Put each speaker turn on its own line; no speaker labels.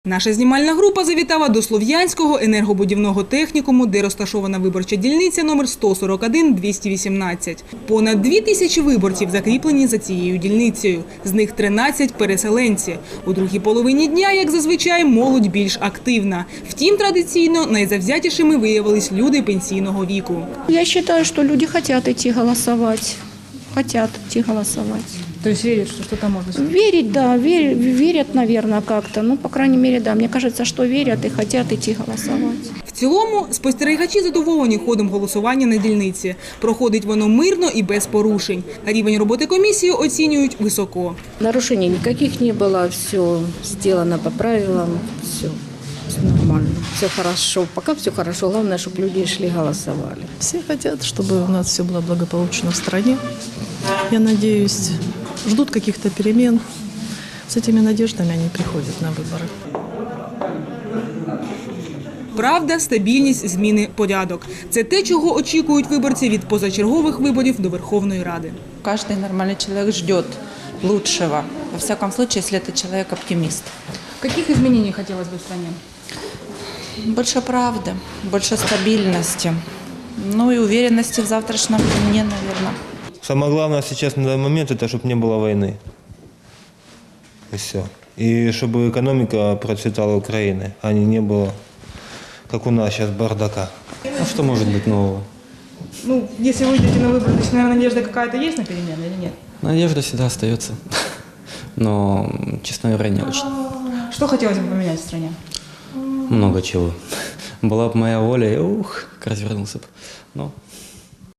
Наша знімальна група завітала до Слов'янського енергобудівного технікуму, де розташована виборча дільниця номер 141-218. Понад 2000 виборців закріплені за цією дільницею. З них 13 – переселенці. У другій половині дня, як зазвичай, молодь більш активна. Втім, традиційно найзавзятішими виявились люди пенсійного віку.
Я вважаю, що люди хочуть йти голосувати. Хотят идти голосовать.
То есть верят, что что-то можно?
Верить, да, верят, наверное, как-то. Ну, по крайней мере, да. Мне кажется, что верят и хотят идти голосовать.
В цілому, спостерігачі задоволені ходом голосування на дільниці. Проходить воно мирно і без порушень. Рівень роботи комісії оцінюють високо.
Нарушений никаких не было, все сделано по правилам, все нормально, все хорошо. Пока все хорошо, главное, чтобы люди шли голосовали.
Все хотят, чтобы у нас все было благополучно в стране. Я надеюсь, ждут каких-то перемен. С этими надеждами они приходят на выборы.
Правда, стабільність, зміни, порядок. Це те, чого очікують виборці від позачергових виборів до Верховної Ради.
Каждый нормальный человек ждет лучшего. Во всяком случае, если это человек-оптимист.
Каких изменений хотелось бы в стране?
Больше правды, больше стабильности. Ну и уверенности в завтрашнем дне, наверное.
Самое главное сейчас на данный момент, это чтобы не было войны. И все. И чтобы экономика процветала Украины, а не было, как у нас сейчас, бардака.
А что может быть нового?
Ну, если вы идете на выборы, значит, наверное, надежда какая-то есть на перемены или нет?
Надежда всегда остается. Но, честно говоря, не очень.
Что хотелось бы поменять в стране?
Много чего. Была бы моя воля, как развернулся бы. Но